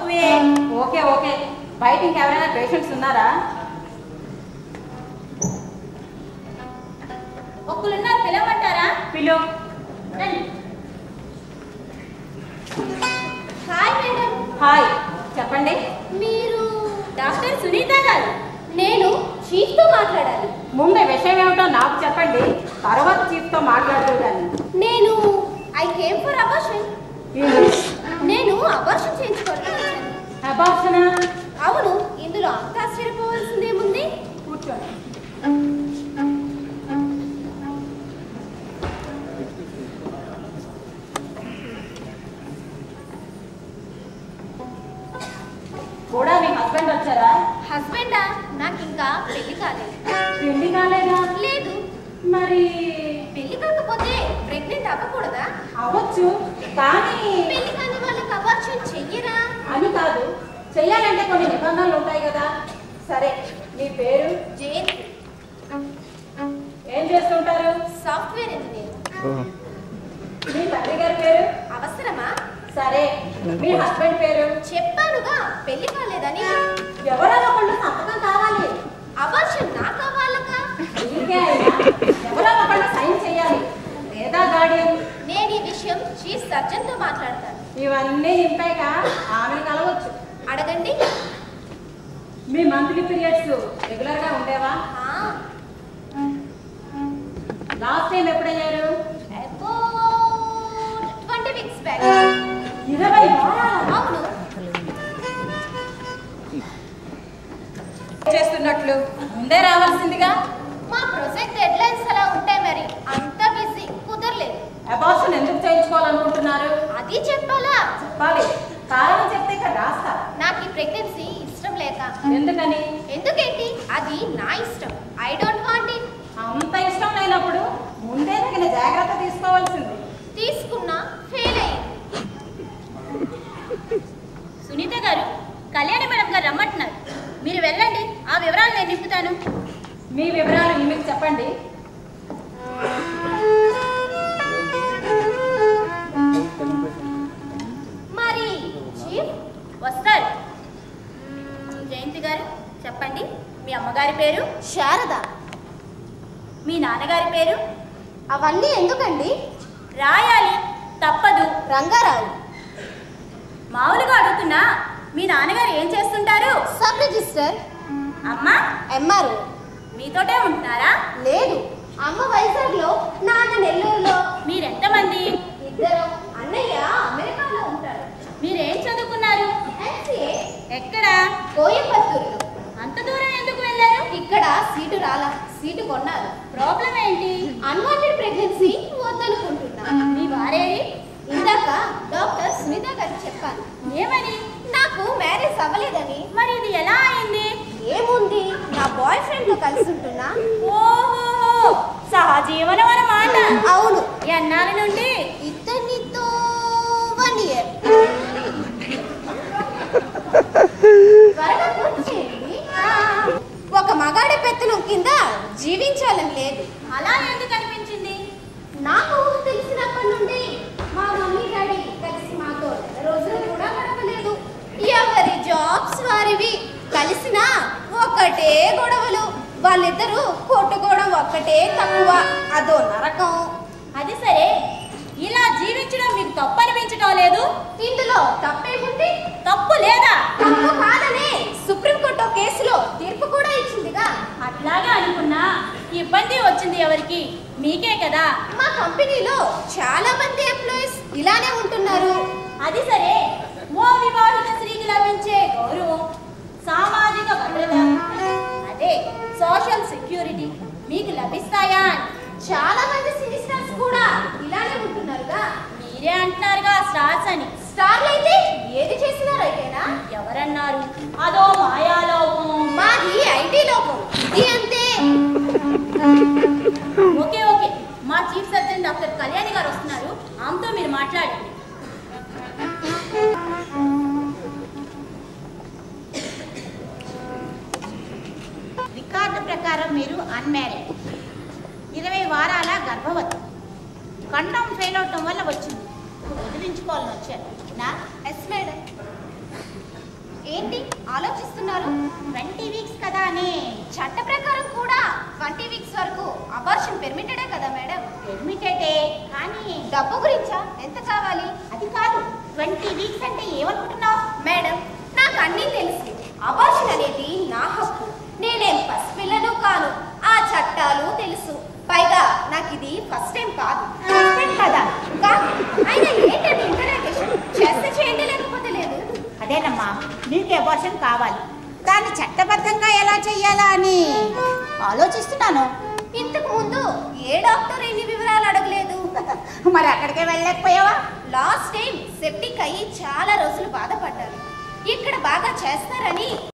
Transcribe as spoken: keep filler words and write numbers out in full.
తక్కువే. Okay okay. బయట ఇంకెవరైనా పేషెంట్స్ ఉన్నారా? ఒక్కరున్నారు, పిలవమంటారా? పిలు. Hi madam. హాయ్, చెప్పండి. మీరు డాక్టర్ సునీత గారు? నేను చీఫ్తో మాట్లాడాలి. ముందు విషయం ఏమిటో నాకు చెప్పండి, తర్వాత చీఫ్తో మాట్లాడుతుందని. నేను ఐ కేమ్ ఫర్ అబార్షన్. నేను అబార్షన్ చేయించుకోవడానికి. అబార్షనా? అవును. ఇందులో అంత ఆశ్చర్యపోవాల్సిందేముంది? కూర్చోండి. కూడా మీ హస్బెండ్ వచ్చారా? హస్బెండా? నాకు ఇంకా పెళ్లి కాలేదు. పెళ్లి కాలేదా? లేదు. మరి పెళ్లి కాకపోతే ప్రెగ్నెంట్ అవ్వకూడదా? అవ్వచ్చు, కానీ పెళ్లి కాని వాళ్ళకి అబార్షన్ చెయ్యరా? అని కాదు, చెయ్యాలంటే కొన్ని నిబంధనలు ఉంటాయి కదా. సరే, మీ పేరు? జయంతి. ఏం చేస్తుంటారు? Software engineer. మీ తండ్రి గారి పేరు? అవసరమా? సరే, మీ హస్బెండ్ పేరు? చెప్పానుగా పెళ్లి కాలేదని. ఎవరో ఒకళ్ళు సంతకం కావాలి. అబార్షన్ నా కావాలకా? మీకే అయినా ఎవరో ఒకళ్ళు సైన్ చేయాలి, లేదా గార్డియన్. నేను ఈ విషయం చీఫ్ సర్జన్ తో మాట్లాడతాను. ఇవన్నీ నింపాక ఆమెను కలవచ్చు. అడగండి. మీ మంత్లీ పీరియడ్స్ రెగ్యులర్ గా ఉండేవా? లాస్ట్ టైం ఎప్పుడయ్యారు? Twenty weeks back. ఇరవై? అవును. చేస్తున్నట్లు ముందే రావాల్సిందిగా. మా ప్రాజెక్ట్ డెడ్ లైన్స్ అలా ఉంటాయి, మరి అంత బిజీ కుదరలేదు. అబార్షన్ ఎందుకు చేయించుకోవాలనుకుంటున్నారు? అది చెప్పాలా? చెప్పాలి, కారణం చెప్తే ఇక్కడ రాస్తా. నాకు ఈ ప్రెగ్నెన్సీ ఇష్టం లేక. ఎందుకని? ఎందుకేంటి, అది నా ఇష్టం. I don't want it. అంత ఇష్టం లేనప్పుడు ముందే తగిన జాగ్రత్త తీసుకోవాల్సింది. తీసుకున్నా ఫెయిల్ అయ్యింది. సునీత గారు, కళ్యాణి మేడం గారు రమ్మంటున్నారు. మీరు వెళ్ళండి, ఆ వివరాలు నేను నింపుతాను. మీ వివరాలు ఈమెకు చెప్పండి. మరి చీఫ్ వస్తారు. జయంతి గారు చెప్పండి. మీ అమ్మగారి పేరు? శారద. మీ నాన్నగారి పేరు? అవన్నీ ఎందుకండి? రాయాలి, తప్పదు. రంగారావు. మామూలుగా అడుగుతున్నా, మీ నాన్నగారు ఏం చేస్తుంటారు? Sub registrar. అమ్మ? ఎంఆర్ఓ. మీతోటే ఉంటున్నారా? లేదు, అమ్మ వైజాగ్ లో, నాన్న నెల్లూరులో. మీరెంతమంది? ఇద్దరు. అన్నయ్య అమెరికాలో ఉంటారు. మీరేం చదువుకున్నారు? ఎంసీఏ. ఎక్కడ? కోయంబత్తూరులో. అంత దూరం ఎందుకు వెళ్ళారు? ఇక్కడ సీటు రాలా, సీటు కొన్నారు. ప్రాబ్లం ఏంటి? అన్వాంటెడ్ ప్రెగ్నెన్సీ వద్దనుకుంటున్నా. మీ వారేది? ఇందాక డాక్టర్ సునీత గారికి చెప్పాను. ఏమని? నాకు మ్యారేజ్ అవ్వలేదని. మరి ఇది ఎలా అయింది? ఏముంది, నా బాయ్ ఫ్రెండ్ తో కలిసి ఉంటున్నా. ఓహో, సహజీవనం అన్నమాట. అవును. ఎన్నాళ్ళ నుండి? ఇతనితో వన్ ఇయర్. త్వరగా పూర్తి చేయండి. ఒక మగాడి పెత్తనం కింద జీవించాలని లేదు. అలా ఎందుకు అనిపించింది? నాకు తెలిసినప్పటి నుండి మా మమ్మీ డాడీ కలిసి మాతో రోజులు కూడా గడపలేదు. ఎవరి జాబ్స్ వారివి. కలిసినా ఒక్కటే గొడవలు. వాళ్ళిద్దరూ కొట్టుకోవడం ఒక్కటే తక్కువ. అదో నరకం. అది సరే, ఇలా జీవించడం మీకు తప్పు అనిపించడం లేదు? ఇందులో తప్పేముంది? తప్పు లేదా? తప్పు కాదనే సుప్రీంకోర్టు కేసులో తీర్పు కూడా ఇచ్చిందిగా. అట్లాగా అనుకున్నా, ఇబ్బంది వచ్చింది ఎవరికి? మీకే కదా. మా కంపెనీలో చాలా మంది ఎంప్లాయీస్ ఇలానే ఉంటున్నారు. అది సరే, ఓ వివాహిత స్త్రీకి లభించే గౌరవం, సామాజిక భద్రత, అదే సోషల్ సెక్యూరిటీ మీకు లభిస్తాయా? చాలా మంది సినీ స్టార్స్ కూడా ఇలానే ఉంటున్నారుగా. మీరే అంటున్నారుగా స్టార్స్ అని. స్టార్లు అయితే ఏది చేసినా రైటేనా? ఎవరన్నారు? అదో మాయాలోకం. మాది ఐటీ లోకం. ఇది అంతే. ఓకే ఓకే, మా chief surgeon doctor Kalyani garu వస్తున్నారు. ఆమెతో మీరు మాట్లాడండి. రికార్డు ప్రకారం మీరు అన్మ్యారీడ్, ఇరవై వారాల గర్భవతి. కండం ఫెయిల్ అవటం వల్ల వచ్చింది. వదిలించుకోవాలని వచ్చారు నా? Yes madam. ఏంటి ఆలోచిస్తున్నారు? ట్వంటీ వీక్స్ కదా అని. చట్ట ప్రకారం కూడా ట్వంటీ వీక్స్ వరకు అబార్షన్ పెర్మిటెడే కదా మేడం? పెర్మిటెడే, కానీ డబ్బు గురించా? ఎంత కావాలి? అది కాదు. ట్వంటీ వీక్స్ అంటే ఏమనుకుంటున్నావు? మేడం, నాకు అన్నీ తెలుసు. అబార్షన్ అనేది నా హక్కు. నేనేం పసిపిల్లను కాను. ఆ చట్టాలు తెలుసు. పైగా నాకు ఇది ఫస్ట్ టైం కాదు. ఫస్ట్ టైం కదా? కాదు. అయినా ఏంటంటే ఇంటరాగేషన్ చేస్తే చేయండి, లేకపోతే లేదు. అదేనమ్మా, నీకు అబార్షన్ కావాలి. దాన్ని చట్టబద్ధంగా ఎలా చెయ్యాలా అని ఆలోచిస్తున్నాను. ఇంతకు ముందు ఏ డాక్టర్ ఎన్ని వివరాలు అడగలేదు. మరి అక్కడికే వెళ్ళలేకపోయావా? లాస్ట్ టైం సెప్టిక్ అయ్యి చాలా రోజులు బాధపడ్డాను. ఇక్కడ బాగా చేస్తారని